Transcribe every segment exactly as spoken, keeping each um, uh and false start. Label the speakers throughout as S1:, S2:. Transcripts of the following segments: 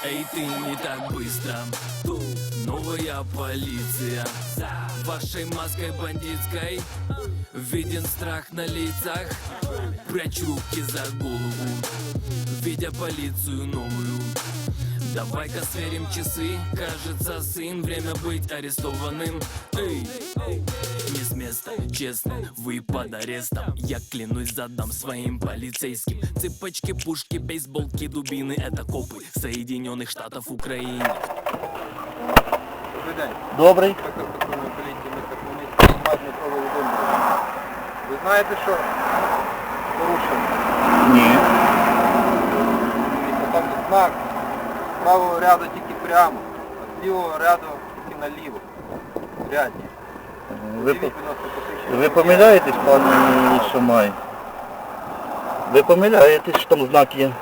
S1: Эй, ты не так быстро. Тут новая полиция. За вашей маской бандитской виден страх на лицах. Прячь руки за голову, видя полицию новую. Давай-ка сверим часы. Кажется, сын, время быть арестованным. Эй, не с места, честно, вы под арестом. Я клянусь, задам своим полицейским. Цепочки, пушки, бейсболки, дубины — это копы Соединенных Штатов Украины.
S2: Добрий день.
S3: Добрий.
S2: Інспектор патрульної поліції міста Хмельницького Мазь Дмитро Володимирович. Ви знаєте, що порушено?
S3: Ні.
S2: Дивіться, там знак з правого ряду тільки прямо, а з лівого ряду тільки наліво. Рядні.
S3: Ви,
S2: Подивіть, будь ласка, посвідчення.
S3: ви помиляєтесь, пане Шамай? Ви помиляєтесь, що там знак є?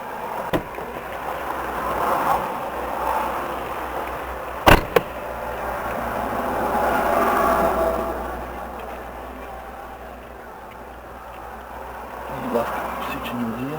S3: Будь ласка, посвідчення водія.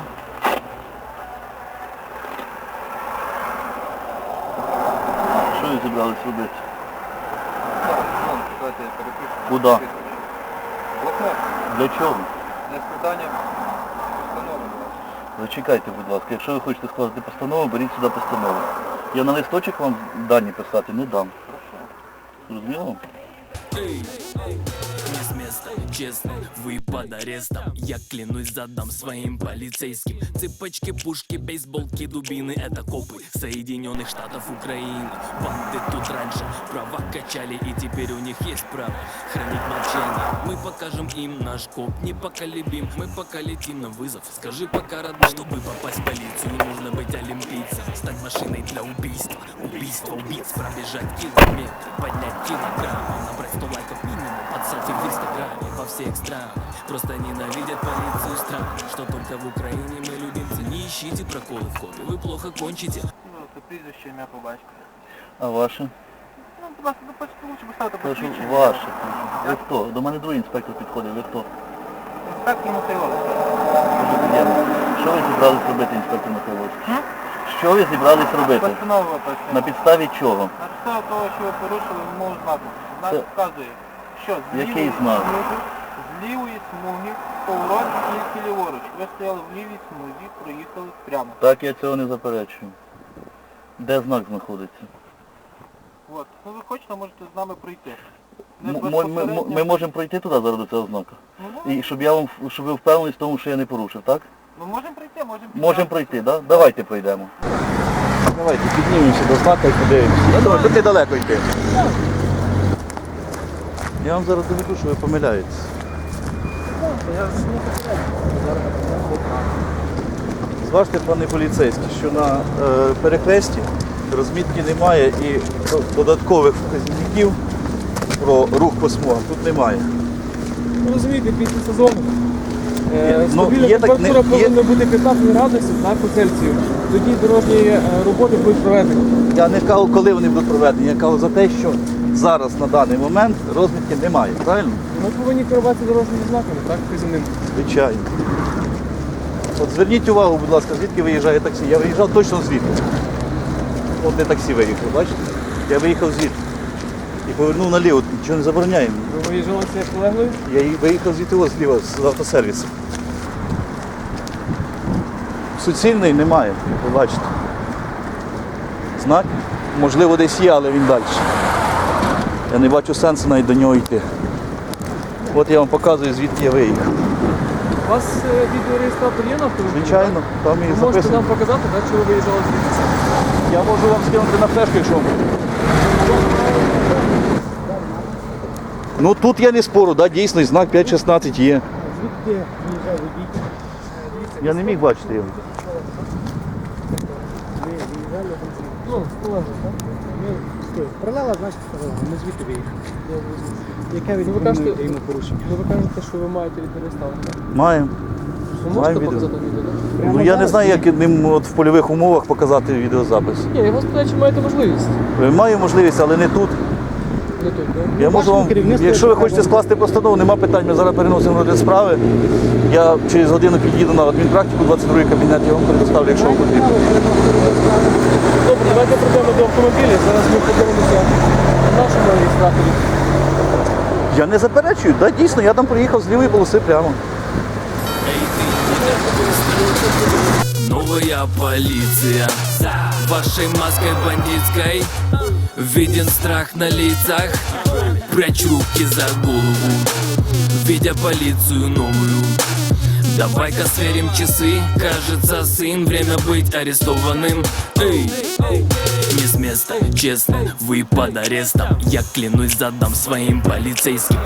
S3: Що ви зібрались робити?
S2: Так, вон, давайте я перепишу.
S3: Куда?
S2: Блокнот.
S3: Для чого?
S2: Для складання постанови. будь ласка.
S3: Зачекайте, будь ласка, якщо ви хочете складати постанову, беріть сюди постанову. Я на листочок вам дані писати не дам. Зрозуміло?
S1: Эй, не с места, честно, вы под арестом. Я клянусь, задам своим полицейским. Цепочки, пушки, бейсболки, дубины — это копы Соединенных Штатов Украины. Банды тут раньше права качали, и теперь у них есть право хранить молчание. Мы покажем им наш коп непоколебим. Мы пока летим на вызов. Скажи пока, родной, чтобы попасть в полицию, нужно быть олимпийцем. Стать машиной для убийства. Убийство убийц, пробежать километры, поднять килограммы, набрать сто лайков минимум под селфи в инстаграме. Во всех странах просто ненавидят полицию страны. Что только в Украине мы любимцы. Не ищите проколы в копе, вы плохо кончите.
S2: Це прізвище, ім'я по батькові.
S3: А ваше?
S2: Ну, будь ласка, допустите, лучше поставити
S3: Кажу,
S2: посвідчення.
S3: ваше. Ви хто? До мене другий інспектор підходить, ви хто?
S2: Інспектор Михайлович.
S3: Дуже приємно. Що ви зібрались робити, інспектор Михайловський? Що ви зібрались робити?
S2: Постанова виписана.
S3: На підставі чого?
S2: На підставі того, що ви порушили вимогу знаку. Знак
S3: Це-
S2: вказує, що з
S3: Який
S2: лівої
S3: знак?
S2: смуги, з лівої смуги, поворот тільки ліворуч. Ви стояли в лівій смузі, проїхали прямо.
S3: Так, я цього не заперечую. Де знак знаходиться?
S2: От. Ну ви хочете, можете з нами пройти. Не
S3: М- Ми, ми,
S2: безпосередньо.
S3: ми можемо пройти туди зараз до цього знака?
S2: Ну, ну,
S3: І щоб я вам, щоб ви впевнені в тому, що я не порушив, так?
S2: Ми можемо пройти, можемо
S3: Можемо пройти, так? Да? Давайте пройдемо.
S4: Давайте піднімемося до знака і подивимося. Я думаю, тут недалеко йти.
S3: Я вам зараз доведу, що ви помиляєтесь.
S4: Зважте, пане поліцейський, що на е, перехресті розмітки немає і додаткових вказівників про рух по смугам тут немає.
S5: Ви розумієте, після сезону е,
S4: ну,
S5: стабільна
S4: є так-
S5: температура
S4: не- є-
S5: повинна бути п'ятнадцять градусів на по Цельсію. Тоді дорожні е, роботи будуть проведені.
S4: Я не кажу, коли вони будуть проведені, я кажу за те, що зараз на даний момент розмітки немає, правильно?
S5: Ми повинні керуватися дорожніми знаками, так, вказівним.
S4: Звичайно. От зверніть увагу, будь ласка, звідки виїжджає таксі. Я виїжджав точно звідти. От не таксі виїхав, бачите? Я виїхав звідти. І повернув наліво, нічого не забороняємо.
S5: Ви виїжджали з колегою?
S4: Я і виїхав звідти ось зліва з автосервісу. Суцільний немає, ви бачите. Знак, можливо, десь є, але він далі. Я не бачу сенсу навіть до нього йти. От я вам показую, звідки я виїхав.
S5: У вас е, відеореєстратор є на автомобілі?
S4: Звичайно, там і
S5: Ви можете
S4: записано.
S5: нам показати, так, що ви виїжджали звідси?
S4: Я можу вам скинути на флешку, якщо вам. Ну тут я не спору, да, дійсно, знак п'ять шістнадцять є.
S5: Звідки виїжджав водій?
S4: Я не міг бачити його.
S5: Ну, з колегою, так?
S6: Прилала, значить, прилала. Ми звідти виїхали. Яке
S5: Ну, ви кажете,
S6: відповідно йому порушення?
S5: ну, ви кажете, що ви маєте відеореєстратор.
S4: Маємо.
S5: Ви можете
S4: Маємо відео.
S5: показати відео, так?
S6: Прямо
S4: Ну я не
S6: зараз?
S4: знаю, як ним от в польових умовах показати відеозапис.
S5: Ні, я вас питаю, чи маєте можливість?
S4: Маю можливість, але не тут.
S5: Не тут, так?
S4: Я можу вам,
S6: керівництво
S4: якщо ви
S6: треба
S4: хочете скласти постанову, нема питань, ми зараз переносимо розгляд справи. Я через годину під'їду на адмінпрактику, двадцять другий кабінет, я вам предоставлю, якщо вам потрібно.
S5: Добре, автомобілі. Зараз ми подивимося на нашому реєстраторі.
S4: Я не заперечую, да, дійсно, я там проїхав з лівої полоси прямо.
S1: Эй, ты, не так быстро. Новая полиция вашей маской бандитской. Виден страх на лицах. Прячу руки за голову, видя полицию новую. Давай-ка сверим часы. Кажется, сын, время быть арестованным. Эй, не с места, честно, вы под арестом. Я клянусь, задам своим полицейским.